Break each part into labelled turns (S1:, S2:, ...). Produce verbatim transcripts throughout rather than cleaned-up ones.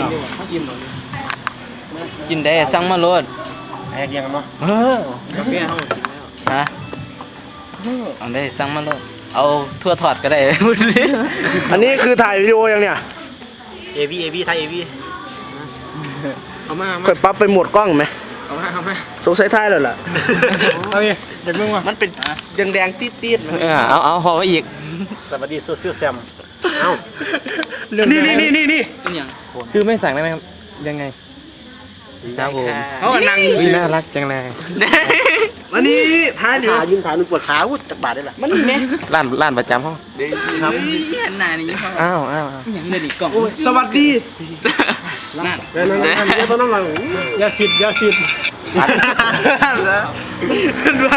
S1: กินได้สั่งมาโลด
S2: ไอ้เรียงกันเนาะ
S1: เออฮะเอาได้สั่งมาโลดเอาทั่วถอดก็ได้
S3: อันนี้คือถ่ายวิดีโอยังเนี่ย
S2: เอวีเอวีไทยเอวีเอามา
S3: ค่อยปรับไปโหมดกล้องไหม
S2: เอามาเอามา
S3: สงสัยถ่ายแล้วล่ะ
S2: เอาดิเด็กมึงวะ
S3: มันเป็นแดงๆตีดๆ
S1: เออเอาเอาพอไปอีก
S2: สวัสดีโซเชียลแซมเอ้า
S3: นี่นี่นี่นี่นี่
S1: เป็นยัง
S4: คือไม่สั่งได้ไหมครับยังไง
S1: ครับผม
S3: เขาก็นั่ง
S4: อุ๊ยน่ารักจังเลย
S3: วันนี้ถ่ายอยู่
S2: ขายืนขาหนึ่งปวดขาวุ้จากบาดได้ละ
S3: มันนี่ไหม
S4: ร้านร้านประจำเขา
S1: ครับเห็นหน้านี่ยัง
S4: อ้าวอ้าวอ้าว
S1: ยังเดินอีกกล่อง
S3: สวัสดี
S1: นั่น
S2: เดี๋ยวนั่งนั่งเดี๋ยวต้องนั่งยาสิบยาสิบ
S3: ขึ้นมา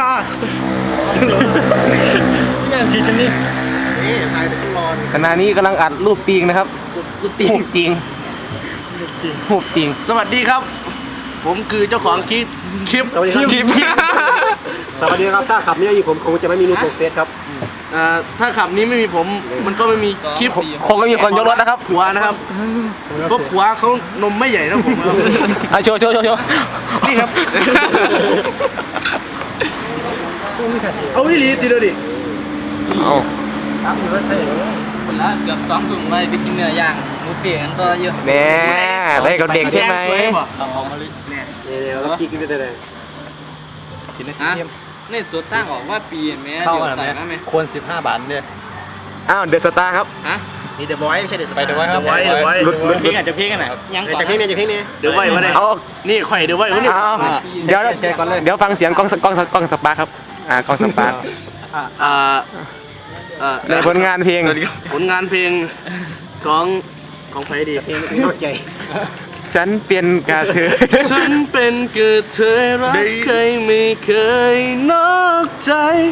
S2: ยาสิบกันนี่นี่ถ่ายตลอด
S4: ขณะนี้กำลังอัดรูปตีงนะครับ
S3: ลูกตี
S4: รูปจริงรูปจริง
S3: สวัสดีครับ ผมคือเจ้าของคลิปคลิป
S2: สวัสดีครับ
S3: คลิป
S2: สวัสดีครับถ้าขับนี่อยู่ผมคงจะไม่มีรูปโปรเฟสครับ
S3: อ่าถ้าขับนี้ไม่มีผมมันก็ไม่มีคลิป
S4: คงไม่มีคนยกรถนะครับ
S3: ผัวนะครับเพราะผัวเขานมไม่ใหญ่นะผมครับ
S4: เอาโชว์โชว์โชว์โชว์
S3: นี่ครับ เอาวิลีตีดูดิ
S4: เอา
S1: คนละเกือบสองถุงไปไปกินเนื้อย่างบุฟเฟ่ต์กันต่อเยอะ
S4: แน่ได้กับเด็กใช่ไหม
S1: เอาออกมาเลยเนี่ย
S2: เดี๋ยวเราคิดกันได้เลย
S1: ฮะในสุดตั้งออกว่าปีแม่เดี๋ยวใส่นะแม่
S2: ควรสิบห้าบาทเนี่ย
S4: อ้าวเดอะสตาร์ครับ
S1: ฮะ
S2: นี่เดอะบอยไม่ใช่เดอะสไปเดอร์บอยครับ
S3: ไว้เดี๋ยวไว้
S4: หลุดหลุดหลุด
S1: จะเพี้ยกันไหนยังก่อน
S2: จากที่นี่จากที่นี่
S3: เดี๋ยวไว้มาได้
S4: เอา
S3: นี่ข่อยเดี๋ยวไว้คนนี้
S4: เอาเดี๋ยวเดี๋ยวฟังเสียงกล้องกล้องกล้องสปาร์คครับอ่ากล้องสปาร์ค
S3: อ่าอ่า
S4: ในผลงานเพลง
S3: ผลงานเพลงของของใครดี
S2: เพลงนอกใจ
S4: ฉันเป็นกระเทย
S3: ฉันเป็นกระเทยรักใครไม่เคยนอกใจ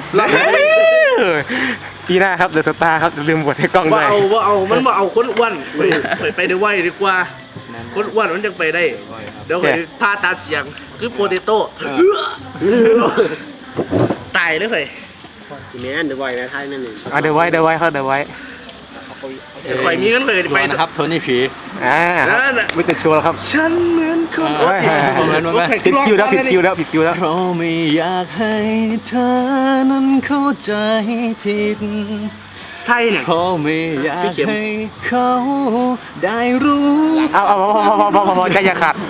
S4: ปีหน้าครับเดอะสตาร์ครับลืมบทให้กล้องด้
S3: ว่า
S4: วย
S3: เอาว่าเอามันมาเอาคนอ้วนไปไปไปได้ไวดีกว่าคนอ้วนมันยังไปได้เดี๋ยวไปพาตาเสียงคือโปเตโต้ตายเลยเฮ้ย
S2: แม่นเดอะบอยแม่ไทยนั่นเอง
S4: เอาเดี๋ยวไว้เดี๋ยวไว้เขาเดี๋ยวไว้
S3: ข่อยมีเงินเลยไป
S1: นะครับโทนี่ผี
S4: อ่าวิตาชัวร์แล้วครับ
S3: ฉันเหมือนคน
S4: โอ้ยผิดคิวแล้วผิดคิวแล้วผิดคิวแล้ว
S1: เพราะไม่อยากให้เธอนั้นเข้าใจผิด
S3: ไทยเนี่ย
S1: เพราะไม่อยากให้เขาได้รู้
S4: เอาเอาพอพอพอพอพอพอใจอย่าขาด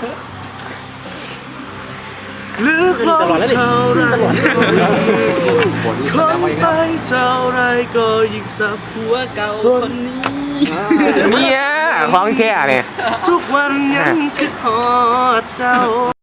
S3: ลึกลงเท่าไรคนไปเท่าไรก็ยิ่งสับ
S1: หัวเก่าคนนี้
S4: เนี่ยของแท้เนี่ย
S3: ทุกวันยังคิดฮอดเจ้า